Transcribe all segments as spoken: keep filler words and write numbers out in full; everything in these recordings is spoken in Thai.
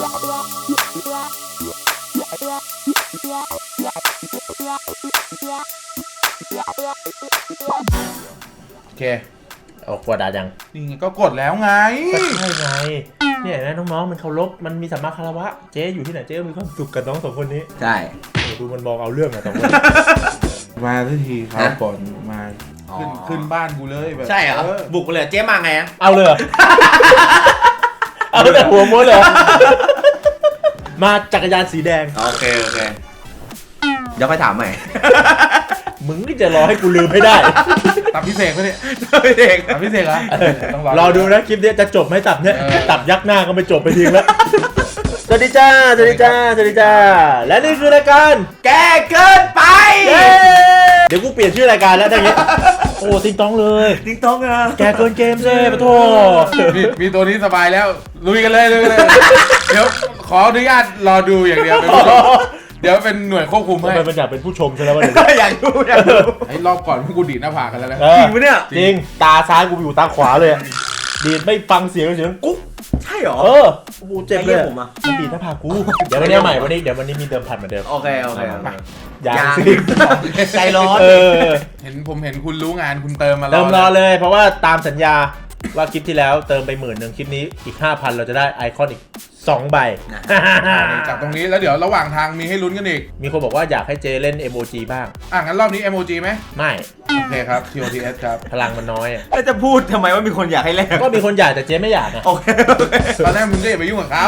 โอเคออกกดดายังนี่ไงก็กดแล้วไงก็ใช่ไงเนี่ยนะน้องๆมันเคารพมันมีสัมมาคารวะเจ๊อยู่ที่ไหนเจ๊มีความสุขกับน้องสองคนนี้ใช่ดูมันมองเอาเรื่องอะสองคนมาทันทีครับก่อนมาขึ้นขึ้นบ้านกูเลยแบบใช่เหรอบุกไปเลยเจ๊มาไงอะเอาเลยเอาแต่หัวม้วนเลยมาจักรยานสีแดงโอเคโอเคเดี๋ยวค่อยถามใหม่มึงนี่จะรอให้กูลืมให้ได้ตับพิเศษไหมเนี่ยตับพิเศษตับพิเศษเหรอต้องรอดูนะคลิปนี้จะจบไหมตับเนี่ยตับยักหน้าก็ไม่จบไปทิ้งแล้วสวัสดีจ้าสวัสดีจ้าสวัสดีจ้าและนี่คือรายการแกเกินไปเดี๋ยวกูเปลี่ยนชื่อรายการแล้วทั้งนี้โอ้ติงต้องเลยติงต้องอะแกเกินเกมเซ่ปะโถมีตัวนี้สบายแล้วลุยกันเลยลุยกันเลยเดี๋ยวขออนุญาตรอดูอย่างเดียวเดี๋ยวเป็นหน่วยควบคุมให้มันอยากเป็นผู้ชมใช่ไหมวะอยากดูอยากดูไอ้รอบก่อนพวกกูดีดหน้าผากกันแล้วนะจริงปะเนี่ยจริงตาซ้ายกูอยู่ตาขวาเลยดีดไม่ฟังเสียงเสียงกุ๊กใช่หรอเออกูเจ็บเลยมันดีดหน้าผากกูเดี๋ยววันนี้ใหม่วันนี้เดี๋ยววันนี้มีเดิมพันเหมือนเดิมโอเคโอเคอย่างใจร้อนเห็นผมเห็นคุณรู้งานคุณเติมมาเติมรอเลยเพราะว่าตามสัญญาว่าคลิปที่แล้วเติมไปหมื่นหนึ่งคลิปนี้อีก ห้าพัน เราจะได้ไอคอนอีกสองใบจากตรงนี้แล้วเดี๋ยวระหว่างทางมีให้ลุ้นกันอีกมีคนบอกว่าอยากให้เจเล่น เอ็ม โอ จี บ้างอ่ะงั้นรอบนี้ เอ็ม โอ จี ไหมไม่โอเคครับ ที โอ ที เอส ครับพลังมันน้อยอ่ะแล้วจะพูดทำไมว่ามีคนอยากให้เล่นก็มีคนอยากแต่เจไม่อยากนะโอเคตอนแรกมึงก็อย่าไปยุ่งกับเขา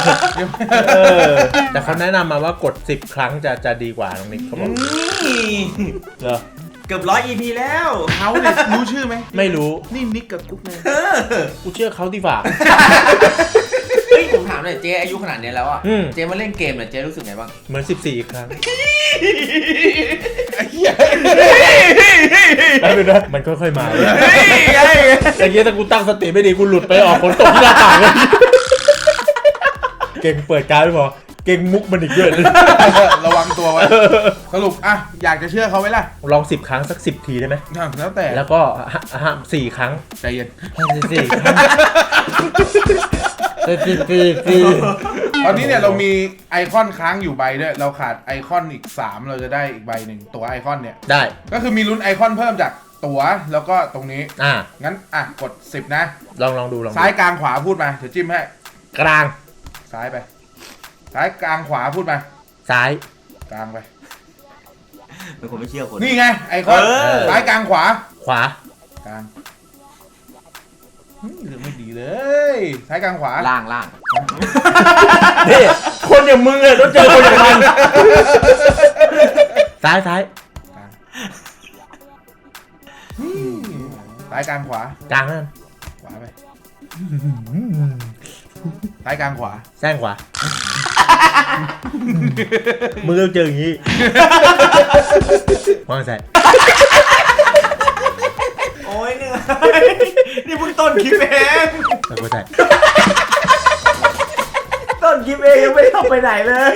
แต่เขาแนะนำมาว่ากดสิบครั้งจะจะดีกว่าตรงนี้เขาบอกเหรอเกือบร้อย อี พี แล้วเขาเนี่ยรู้ชื่อไหมไม่รู้นี่นิกกับกุ๊กไงกูเชื่อเขาดีกว่าเฮ้ยผมถามหน่อยเจ๊อายุขนาดนี้แล้วอ่ะเจ๊มาเล่นเกมเนี่ยเจ๊รู้สึกไงบ้างเหมือนสิบสี่ครั้งมันค่อยๆมาอย่างเงี้ยถ้ากูตั้งสติไม่ดีกูหลุดไปออกฝนตกที่หน้าต่างเลยเก่งเปิดการ์ดไม่พอเก่งมุกมันอีกเยอะเลยระวังตัวไว้สรุปอ่ะอยากจะเชื่อเขาไหมล่ะลองสิบครั้งสักสิบทีได้ไหมแล้วแต่แล้วก็ห้ามสี่ครั้งใจเย็นสี่ครั้งตอนนี้เนี่ยเรามีไอคอนค้างอยู่ใบด้วยเราขาดไอคอนอีกสามเราจะได้อีกใบหนึ่งตัวไอคอนเนี่ยได้ก็คือมีลุ้นไอคอนเพิ่มจากตัวแล้วก็ตรงนี้อ่างั้นอ่ะกดสิบนะลองลองดูลองซ้ายกลางขวาพูดมาเดี๋ยวจิ้มให้กลางซ้ายไปซ้ายกลางขวาพูดมาซ้ายกลางไปเป็นคนไม่เชื่อคนนี่ไงไอคอนซ้ายกลางขวาขวากลางเรื่องไม่ดีเลยซ้ายกลางขวาล่างล่างนี่คนอย่างมึงเลยต้องเจอคนอย่างมันซ้ายซ้ายซ้ายกลางขวากลางนั่นขวาไปซ้ายกลางขวาแซงขวามึงต้องเจออย่างนี้วางใส่โอ้ยเหนื่อยนี่เพิ่งต้นคลิปเองแล้วก็ใส่ต้นคลิปเองยังไม่ทำไปไหนเลย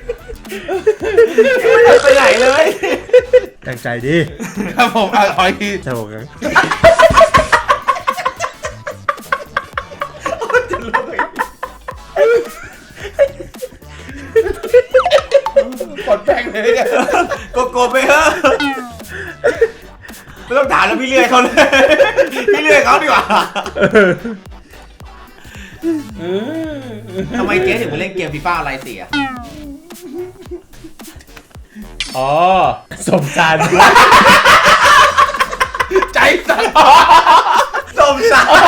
ไม่ทำไปไหนเลยตั้งใจดิครับผมอ่ะขออีกทีใช่ผมครับกดแป้งเลยเนี่ยกดกดไปเถอะไม่ต้องถามแล้วพี่เลื่อยเขาเลยพี่เลื่อยเขาดีกว่าทำไมเจ๊ถึงมาเล่นเกมฟีฟ่าอะไรเสียอ๋อสมสารใจสั่นสมสาร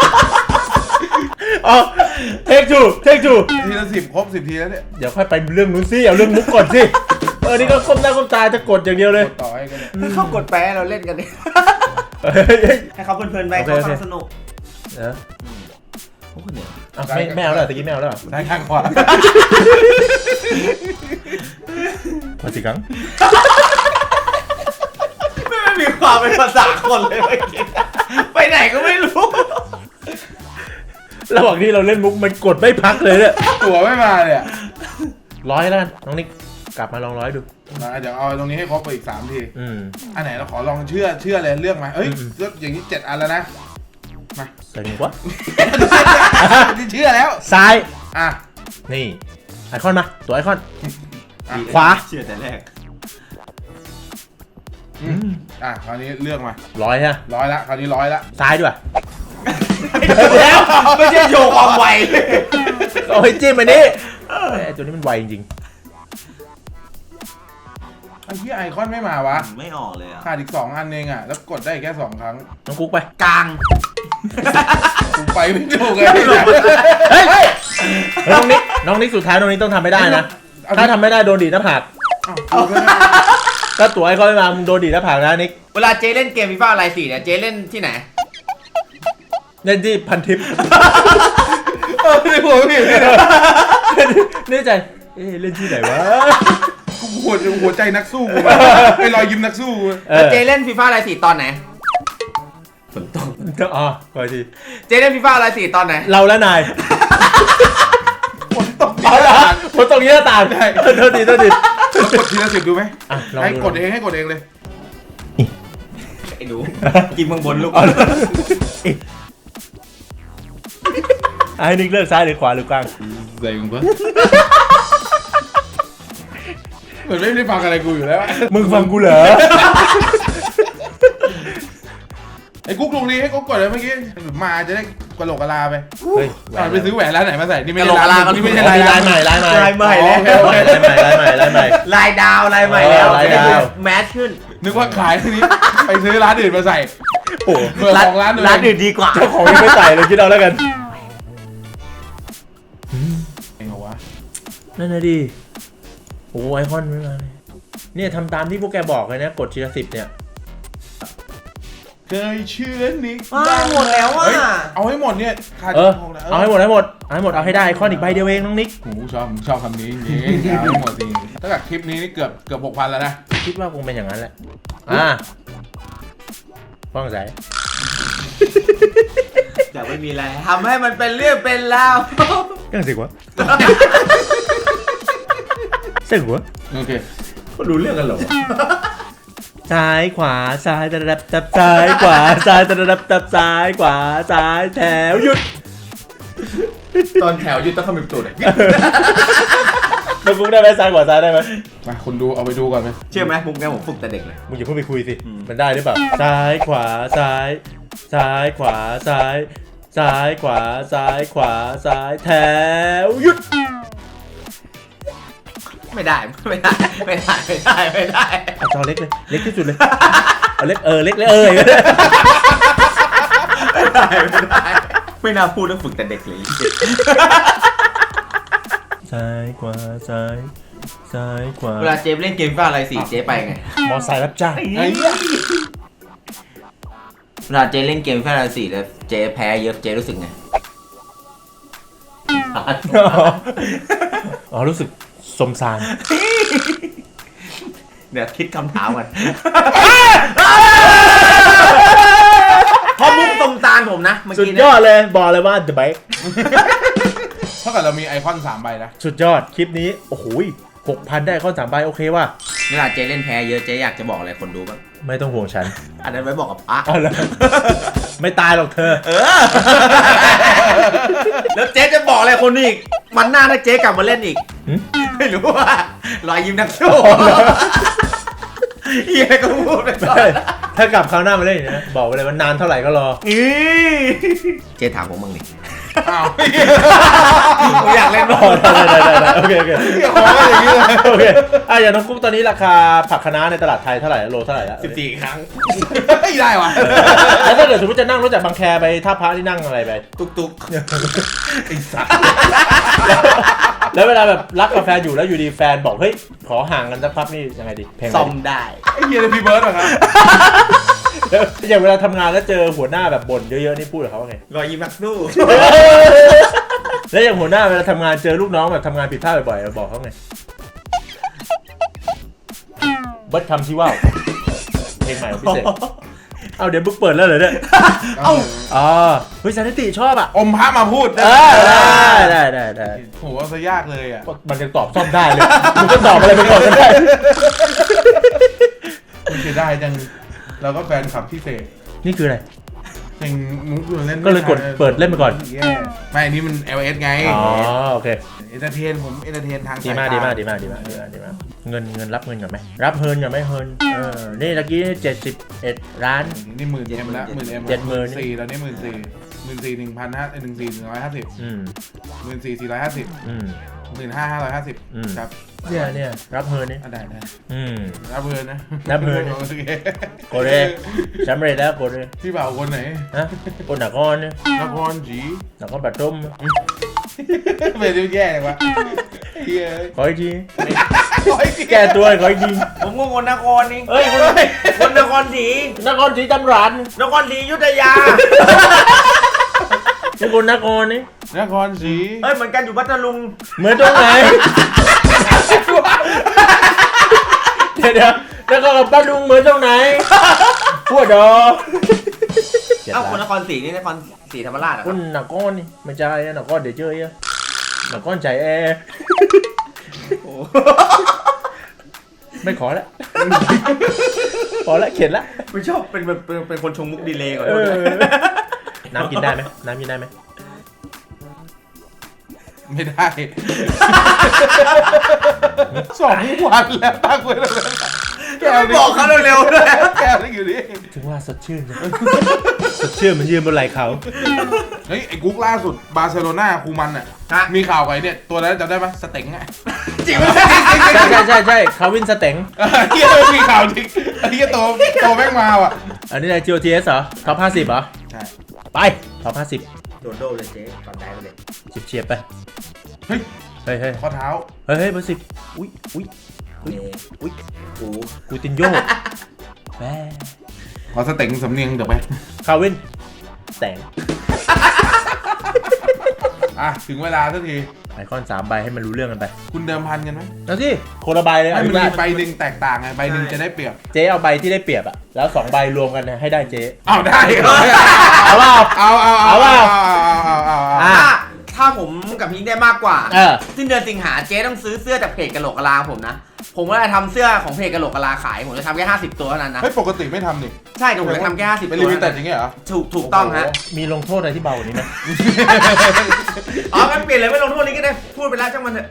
อ๋อเทคทูเทคทูทีละสิบครบสิบทีแล้วเนี่ยเดี๋ยวค่อยไปเรื่องนู้นสิเอาเรื่องมุกก่อนสิเออนี่ก็ก้มหน้าก้มตาจะกดอย่างเดียวเลยต่อให้กันให้เขากดแปะเราเล่นกันดิให้เขาเพลินๆไปเขาฟังสนุกเออโอ้โหเนี่ยไม่ไม่เอาแล้วตะกี้ไม่เอาแล้วซ้ายข้างขวามาสิครั้งไม่มีความเป็นภาษาคนเลยเมื่อกี้ไปไหนก็ไม่รู้ระหว่างที่เราเล่นมุกมันกดไม่พักเลยเนี่ยตัวไม่มาเลยร้อยแล้วกันน้องนิกกลับมาลองร้อยดูเดี๋ยวเอาตรงนี้ให้ครบไปอีกสามทีอันไหนเราขอลองเชื่อเชื่อเลยเลือกมาเอ้ยเลือกอย่างนี้เจ็ดอันแล้วนะมาใส่หนึ่งวะที่เชื่อแล้วซ้ายอ่ะนี่ไอคอนมาตัวไอคอนอ่ะขวาเชื่อแต่แรกอืมอ่ะคราวนี้เลือกมาร้อยฮะร้อยละคราวนี้ร้อยละซ้ายด้วยแล้วไม่ใช่โยความไวโอ้ยจิ้มอันนี้ไอตัวนี้มันไวจริงไอ้ที่ไอคอนไม่มาวะไม่ออกเลยอ่ะขาดอีกสองอันเองอ่ะแล้วกดได้แค่สองครั้งๆน้องกุ๊กไปกลางกูไปไม่ถูกเลยเฮ้ยน้องนิกน้องนิกสุดท้ายน้องนิกต้องทำไม่ได้นะ ถ้าทำไม่ได้โดนดีดหน้าผากอ้าวกูก็ได้ถ้าตัวไอคอนไม่มามึงโดนดีดหน้าผากนะนิกเวลาเจเล่นเกมฟีฟ่าอะไรสี่เนี่ยเจเล่นที่ไหนเล่นที่พันทิปเออในหัวพี่นี่ใจเอ๊ะเล่นที่ไหนวะกูหัวหัวใจนักสู้กูมาไอ้รอยยิ้มนักสู้กูเอแล้วอเจเล่นฟีฟ่าอะไรสี่ตอนไหนฝนตกอ๋อขอทีเจเล่นฟีฟ่าอะไรสี่ตอนไหนเราและนายฝนตกอ๋อเหรอคนตรงนี้หน้าต่างโทษทีโทษทีแล้วกดทีละสิบดูไหมอ่ะลองให้ดูกดเองให้กดเองเลยไอ้หนูกินเมืองบนลูกอ๋อไอ้นิกเลือกซ้ายหรือขวาหรือกลางใส่มึงปะเหมือนไม่ได้ฟังอะไรกูอยู่แล้วมึงฟังกูเหรอไอ้กุ๊กลงนี้ให้กุ๊กกดเลยเมื่อกี้มาจะได้กระโหลกกระลาไปเฮ้ยอ่ะไปซื้อแหวนร้านไหนมาใส่นี่ไม่ใช่ร้านนี่ไม่ใช่ลายร้านใหม่ลายใหม่ลายใหม่อ๋อแล้วโอเคโอเคลายใหม่ลายใหม่ลายใหม่ลายดาวลายใหม่แล้วลายดาวแมสขึ้นนึกว่าขายทีนี้ไปซื้อร้านอื่นมาใส่โอ้เบอร์ของร้านอื่นร้านอื่นดีกว่าเจ้าของยังไม่ใส่เลยคิดเอาแล้วกันเองเหรอวะนั่นนะดิโอ้ไอคอนไม่มาเลยเนี่ยทำตามที่พวกแกบอกเลยนะกดทีละสิบเนี่ยเคยเชื่อนิกว้าวหมดแล้วอ่ะเฮ้ยเอาให้หมดเนี่ยขาดเออหกแล้วเอาให้หมดให้หมดเอาให้หมดเอาให้ได้ไอคอนอีกใบเดียวเองน้องนิกโอ้โหชอบชอบคำนี้จริงๆเอาให้หมดจริงถ้าเกิดคลิปนี้นี่เกือบเกือบหกพันแล้วนะคิดว่าคงเป็นอย่างนั้นแหละอ่าฟ้องใจอยากไม่มีอะไรทำให้มันเป็นเรื่องเป็นราวยังสิวะสิวะโอเคเขารู้เรื่องกันเหรอซ้ายขวาซ้ายตะดับตับซ้ายขวาซ้ายตะดับตับซ้ายขวาซ้ายแถวหยุดตอนแถวยืดต้องขมิบตูดเลยมึงกุ๊กได้ไหมซ้ายขวาซ้ายได้ไหมมาคนดูเอาไปดูก่อนไหมเชื่อไหมมุกนี้ผมฝึกแต่เด็กเลยมึงอย่าเพิ่งไปคุยสิอืมมันได้หรือเปล่าซ้ายขวาซ้าย ซ้ายขวาซ้าย ซ้ายขวาซ้ายขวาซ้ายแถวหยุดไม่ได้ไม่ได้ไม่ได้ไม่ได้ไม่ได้เอาจอเล็กเลยเล็กที่สุดเลยเอาเล็กเออเล็กเลยเออไม่ได้ไม่ได้ไม่น่าพูดแล้วฝึกแต่เด็กเลยซ้ายขวาซ้าย ซ้ายขวาเวลาเจฟเล่นเกมฟีฟ่าอะไรสี่เจไปไงมอไซค์รับจ้างไอ้เนี่ยเวลาเจเล่นเกมฟีฟ่าอะไรสี่แล้วเจแพ้เยอะเจรู้สึกไงอ๋อรู้สึกสมสารเดี๋ยวคิดคำถามกันพอมุกตรงตาลผมนะเมื่อสุดกี้ยเนี่อย ดเลยบอกเลยว่า The Bike เท่ากับเรามีไอคอนสามใบนะสุดยอดคลิปนี้โอ้โหหกพันได้ข้อสามใบโอเคว่ะเวลาเจเล่นแพ้เยอะเจอยากจะบอกอะไรคนดูบ้างไม่ต้องห่วงฉันอันนั้นไว้บอกกับป้าเอาละไม่ตายหรอกเธอเออ แล้วเจ๊จะบอกอะไรคนอีกวันหน้าถ้าเจ๊กลับมาเล่นอีกหืมไม่รู้ว่ารอยยิ้มนักสู้เฮียก็พูดไปก่อนถ้ากลับคราวหน้ามาเล่นอีกนะบอกไว้เลยว่านานเท่าไหร่ก็รออีเจ๊ถามผมบ้างดิอ้าวผมอยากเล่นอ๋บ้าองได้ได้ได้ได้โอเคโอเคเกี่ยวกับอย่างนี้เลยโอเคอ่ะอย่างน้องกุ๊กตอนนี้ราคาผักคะน้าในตลาดไทยเท่าไหร่โลเท่าไหร่แล้วสิบสี่ครั้งไม่ได้วะแล้วถ้าเกิดสมมติจะนั่งรถจากบางแคไปท่าพระที่นั่งอะไรไปตุกตุกไอ้สัตว์แล้วเวลาแบบรักกับแฟนอยู่แล้วอยู่ดีแฟนบอกเฮ้ยขอห่างกันสักพักนี่ยังไงดีเพลงอะไรซ่อมดีได้ไอ้เฮียเลยพี่เบิร์ดเหรอครับแล้วอย่างเวลาทำงานแล้วเจอหัวหน้าแบบบ่นเยอะๆนี่พูดกับเขาว่าไงรอยยิ้มนักสู้แล้วอย่างหัวหน้าเวลาทำงานเจอลูกน้องแบบทำงานผิดพลาดบ่อยๆบอกเขาไงเบิร์ดคำที่ว่าวเพลงใหม่ของพิเศษเอาเดี๋ยวบุ๊กเปิดแล้วเหรอเนี่ยเอ้าอ๋อเฮ้ยสันติชอบอ่ะอมพระมาพูดเออได้ได้ได้ได้โหเอาซะยากเลยอ่ะมันยังตอบซ่อมได้เลยมึงก็ตอบอะไรไปก่อนก็ได้คุณเสียดายจังเราก็แฟนคลับพี่เสกนี่คืออะไรเพลงมุกเล่นก็เลยกดเปิดเล่นไปก่อนไม่อันนี้มัน แอล เอส ไงอ๋อโอเคเอนเตอร์เทนผมเอนเตอร์เทนทางดีมากดีมากดีมากดีมากดีมากดีมากเงินเงินรับเงินก่อนไหมรับเงินก่อนไหมเฮินเออนี่ตะกี้เจ็ดสิบเอ็ดล้านนี่หมื่นเอ็มแล้วหมื่นเอ็มเจ็ดหมื่นสี่ตอนนี้หมื่นสี่หมื่นสี่หนึ่งพันห้าหนึ่งสี่หนึ่งร้อยห้าสิบอืมหมื่นสี่สี่ร้อยห้าสิบอืมหมื่นห้าห้าร้อยห้าสิบอืมครับเนี่ยเนี่ยรับเฮินนี่อ่ะได้ได้อืมรับเงินนะรับเงินโอเคโกเรสำเร็จแล้วโกเรพี่บ่าวคนไหนฮะคนหนักก้อนเนี่ยนครจีหนักก้อนบัดต้มเป็นดูแย่เลยวะเฮ้ยขออีกทีโอ้ยแก้ตัวขออีกทีผมก็คนนครนี่เฮ้ยคนคนนครศรีนครศรีธรรมราชนครศรีอยุธยาเป็นคนนครนี่นครศรีเอ้ยเหมือนกันอยู่พัทลุงเหมือนตรงไหนเดี๋ยวเดี๋ยวแล้วก็กับป้าลุงเหมือนตรงไหนพูดดอเอ้าคนนครศรีนี่นครศรีธรรมราชเหรอคนหนักก้อนนี่ไม่ใช่หนักก้อนเดี๋ยวเจออ่ะหนักก้อนใจแอร์ไม่ขอแล้วพอแล้วเข็ดละไม่ชอบเป็นเป็นเป็นคนชงมุกดีเลยก่อนเออน้ำกินได้ไหมน้ำกินได้ไหมไม่ได้สองวันแล้วตั้งไว้แล้วแก้วบอกเขาเร็วๆด้วยแก้วนี่อยู่นี่ถึงว่าสดชื่นจังสดชื่นมันยืนบนไหล่เขาเฮ้ยไอ้กุ๊กล่าสุดบาร์เซโลนาคูมันอ่ะมีข่าวไว้เนี่ยตัวนั้นจำได้ปะสเต็งอ่ะจริงไหมใช่ใช่ใช่ใช่คาวินสเต็งเฮียมีข่าวจริงเฮียโตโตแม่งมาว่ะอันนี้อะไร จี โอ ที เอส เหรอท็อปห้าสิบเหรอใช่ไปท็อปห้าสิบโดนโดเลยเจ๊ก่อนได้เลยเฉียบๆไปเฮ้ยเฮ้ยเฮ้ยข้อเท้าเฮ้ยเฮ้ยเบอร์สิบอุ้ยอุ้ยอุ้ยอุ้ยกูกูตินโยแม่ขอสเต็งสำเนียงเดี๋ยวไปคาวินแต่งอ่ะถึงเวลาสักทีไอคอนสามใบให้มันรู้เรื่องกันไปคุณเดิมพันกันไหมเอาสิคนละใบเลยให้เอามันได้มีใบหนึ่งแตกต่างไงใบหนึ่งจะได้เปรียบเจ๊เอาใบที่ได้เปรียบอะแล้วสองใบรวมกันเนี่ยให้ได้เจ๊เอาได้เอาเปล่าเอาเอาเอาเปล่าเอาเอาอ่ะถ้าถ้าผมกับพิงได้มากกว่าเออสิ้นเดือนสิงหาเจ๊ต้องซื้อเสื้อจากเพจกะโหลกกะลาผมนะ ผมก็จะทำเสื้อของเพจกะโหลกกะลาขาย ผมจะทำแค่ห้าสิบตัวเท่านั้นนะเฮ้ยปกติไม่ทำนี่ใช่แต่ผมจะทำแค่ห้าสิบเป็นตัลิวมิเท่าเต็ดนั้นอย่างเงี้ยเหรอถูกถูกต้องฮะมีลงโทษอะไรที่เบากว่านี้ไหมอ๋องั้นเปลี่ยนเลยไม่ลงโทษนี้ก็ได้ พูดไปแล้วช่างมันเถอะ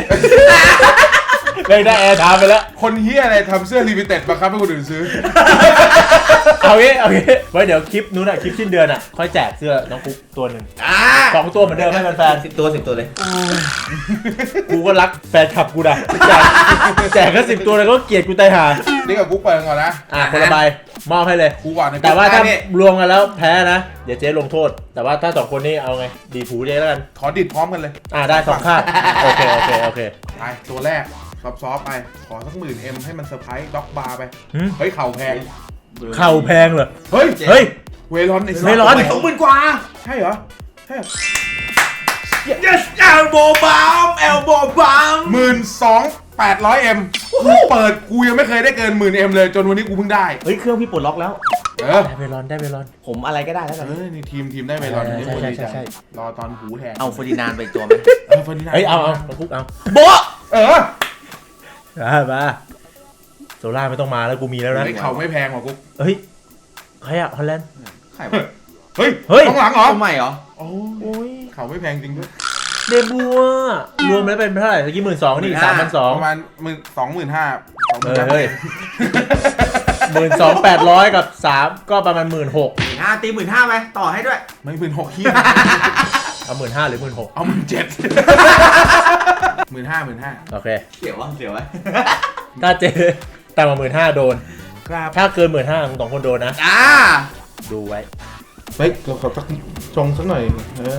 เลยได้แอร์ถามไปแล้วคนเฮียอะไรทำเสื้อลิมิเต็ดบังคับให้คนอื่นซื้อเอางี้เอางี้ไว้เดี๋ยวคลิปนู้นอะคลิปสิ้นเดือนอะค่อยแจกเสื้อน้องกุ๊กตัวหนึ่งอ่าสองตัวเหมือนเดิมให้แฟนสิบตัวสิบตัวเลยๆกูก็รักแฟนคลับกูนะแจกแจกแค่สิบตัวเลยก็เกลียดกูตายห่านี่กับกุ๊กไปก่อนนะอ่ะคนละใบมอบให้เลยกูก่อนในแต่ว่าถ้ารวมกันแล้วแพ้นะ เดี๋ยวเจ๊ลงโทษ แต่ว่าถ้าสองคนนี้เอาไง ดีผูเจ๊แล้วกันขอดิดพร้อมกันเลยอ่าได้สองข้างโอเค โอเค โอเคไปตัวแรกซอฟต์ๆไป ขอสักหมื่นเอ็มให้มันเซอร์ไพรส์ด็อกบาร์ไปหืมเฮ้ยเข่าแพงเข่าแพงเหรอเฮ้ยเฮ้ยเวรอนไอ้สัสเวรอนสองหมื่นกว่าใช่เหรอใช่เหรอ yes elbow bomb elbow bomb หมื่นสองแปดร้อยเอ็มกูเปิดกูยังไม่เคยได้เกินหมื่นเอ็มเลยจนวันนี้กูเพิ่งได้เฮ้ยเครื่องพี่ปลดล็อกแล้วเออได้เวลอนได้เวลอนผมอะไรก็ได้แล้วกันเออนี่ทีมทีมได้เวรอนใช่นี่ใช่คนดีใช่ใจใช่รอตอนหูแทนเอาเฟอร์ดินานด์ไปอีกตัวไหมเออเฟอร์ดินานด์เฮ้ย เอาเอามาคุกเอาโบ๊ะเออมามาโซล่าไม่ต้องมาแล้วกูมีแล้วนะเฮ้ยเข่าไม่แพงหรอกกูเฮ้ย ใครอะฮอลแลนด์ใครวะเฮ้ยเฮ้ยต้องหลังเหรอทำไมเหรอโอ้โอ้ยเข่าไม่แพงจริงด้วยเดบัวรวมแล้วเป็นเท่าไหร่เมื่อกี้หมื่นสองนี่สามพันสองประมาณหมื่นสองหมื่นห้าสองหเอมื่นอห้าเฮ้ยหมื่นสองแปดร้อยกับสามก็ประมาณหมื่นหกห้าตีหมื่นห้าไหมต่อให้ด้วยไม่หมื่นหกขี้เอาหมื่นห้าหรือหมื่นหกเอาหมื่นเจ็ดหมื่นห้าหมื่นห้าโอเคเสียววะเสียววะถ้าเจแต่มาหมื่นห้าโดนครับถ้าเกินหมื่นห้าสองคนโดนนะอ่าดูไว้เฮ้ยเราขอสักชงสักหน่อยเออ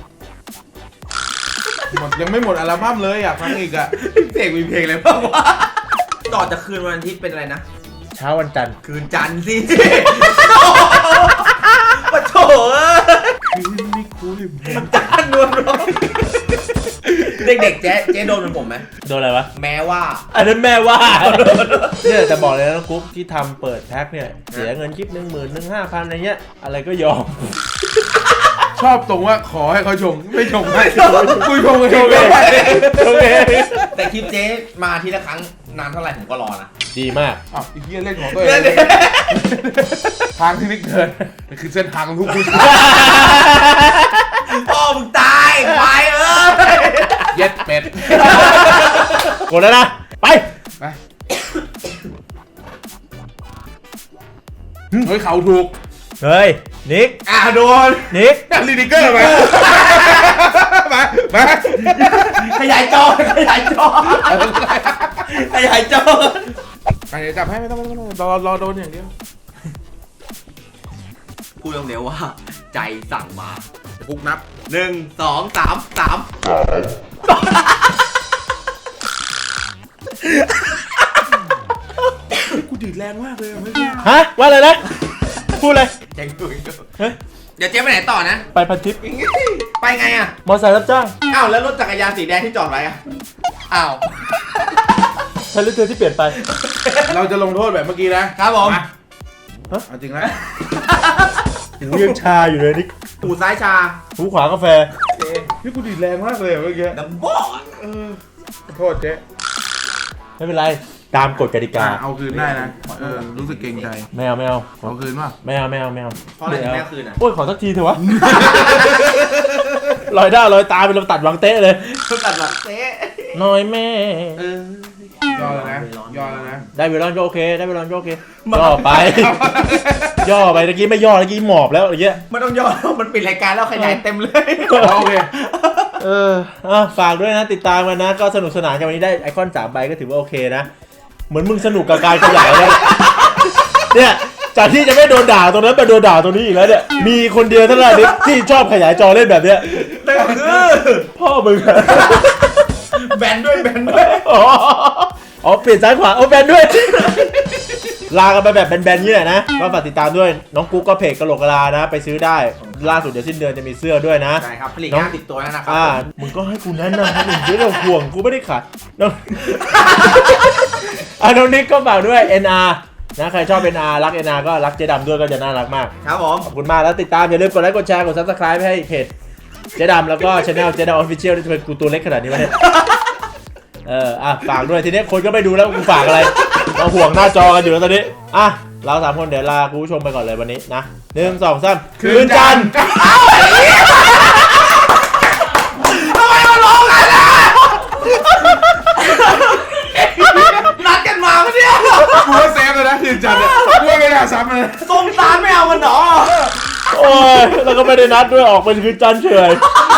หมดยังไม่หมดอัลบั้มเลยอยากฟังอีกอ่ะเพลงมีเพลงอะไรบ้างวะต่อจากคืนวันอาทิตย์เป็นอะไรนะเช้าวันจันทร์คืนจันทร์สิปะโถเอ้ยคืนนี้คุยจันทร์นวลร้องเด็กๆเจ๊เจ๊โดนเป็นผมไหมโดนอะไรวะแม้ว่าอันนั้นแม่ว่าเนี่ยแต่บอกเลยนะกุ๊กที่ทำเปิดแพ็คเนี่ยเสียเงินคลิปหนึ่งหมื่นหนึ่งห้าพันอะไรเงี้ยอะไรก็ยอมชอบตรงว่าขอให้เขาชงไม่ชงให้คุยชงกันชงโอเคไม่ได้โอเคแต่คลิปเจ๊มาทีละครั้งนานเท่าไหร่ผมก็รอนะดีมากอ้าวไอ้เหี้ยเล่นของตัวเองทางที่นิกเดินนี่คือเส้นทางของทุกผู้ชายพ่อมึงตายควายเอ้ยเย็ดเป็ดกดแล้วนะ ไปไปเฮ้ยเขาถูกเฮ้ย นิกอ่ะโดนนิกลีดิเกอร์มามามาขยายจอขยายจอขยายจอไปเดี๋ยวจับให้ไม่ต้องไม่ต้องไม่ต้องรอรอโดนอย่างเดียวพูดเร็วๆว่า ใจสั่งมาคุกนับหนึ่งสองสามสามกูดีดแรงมากเลยเมื่อกี้ฮะ ว่าอะไรนะ พูดเลยเจ๊งดูอีกเฮ้ยเดี๋ยวเจ๊ไปไหนต่อนะไปพันทิปไปไงอ่ะมอเตอร์ไซค์รับจ้างอ้าวแล้วรถจักรยานสีแดงที่จอดไว้อ่ะอ้าวใช้รถเธอที่เปลี่ยนไปเราจะลงโทษแบบเมื่อกี้นะครับผมมาฮะเอาจริงแล้วหูยังชาอยู่เลยนิกหูซ้ายชาหูขวากาแฟนี่กูดีดแรงมากเลยเมื่อกี้ดัมโบ้เออโทษเจ๊ไม่เป็นไร ตามกฎกติกาอ่ะเอาคืนได้นะเออรู้สึกเกรงใจไม่เอาไม่เอาเอาคืนป่ะไม่เอาไม่เอาไม่เอาเพราะอะไรถึงแม่คืนอ่ะโอ้ยขอสักทีเถอะวะ ลอยหน้าลอยตาเป็นลำตัดหวังเตะเลยตัดหลักเซ่น้อยแม่เออย่อแล้วนะย่อแล้วนะได้เวลาก็โอเค ได้เวลาก็โอเคย่อไป ย่อไปตะกี้ไม่ย่อตะกี้หมอบแล้วอะไรเงี้ยไม่ต้องย่อมันปิดรายการแล้วขยายเต็มเลยโอเคเอออ่ะฝากด้วยนะติดตามกันนะ ก็สนุกสนานกันวันนี้ได้ไอคอนสามใบก็ถือว่าโอเคนะ เหมือนมึงสนุกกับการขยายแล้วเนี่ยจากที่จะไม่โดนด่าตรงนั้นมาโดนด่าตรงนี้อีกแล้วเนี่ยมีคนเดียวเท่านั้นที่ชอบขยายจอเล่นแบบเนี้ยนั่นก็คือพ่อมึงอะแบนด้วยแบนด้วยอ๋ออ๋อเปลี่ยนซ้ายขวาเอาแบนด้วย ลากันไปแบบแบนๆนี่แหละนะก็ฝากติดตามด้วยน้องกุ๊กก็เพจกะโหลกกะลานะ ไปซื้อได้ล่าสุดเดี๋ยวสิ้นเดือนจะมีเสื้อด้วยนะใช่ครับผลิตงานติดตัวแล้วนะครัอ่ามึงก็ให้กูแนะนำให้มึงไม่ต้องห่วงกูไม่ได้ขาดน้องอ่ะน้องนิกก็ฝากด้วย เอ็น อาร์ นะใครชอบ เอ็น อาร์ รัก เอ็น อาร์ ก็รักเจ๊ดำด้วยก็จะน่ารักมากครับผมขอบคุณมากแล้วติดตามอย่าลืมกดไลค์กดแชร์กด ซับสไครบ์ให้เพจเจ๊ดำแล้วก็ช anel เจ๊ดำออฟฟิเชียลที่เป็นกูตัวเล็กขนาดนี้วะเนี่ยเอออ่ะฝากด้วยทีนี้คนก็ไม่ดูแล้วกูฝากอะไรมาห่วงหน้าจอกันอยู่แล้วตอนนี้อ่ะเราสามคนเดี๋ยวลาคุณผู้ชมไปก่อนเลยวันนี้นะหนึ่งสองสามคืนจันทร์ทำไมมาร้องกันล่ะนัดกันมาปะเนี่ยกูว่าเซฟเลยนะคืนจันทร์เนี่ยกูว่าไม่น่าซ้ำเลยส้มตาลไม่เอามันหรอโอ้ยแล้วก็ไม่ได้นัดด้วยออกเป็นคืนจันทร์เฉยไ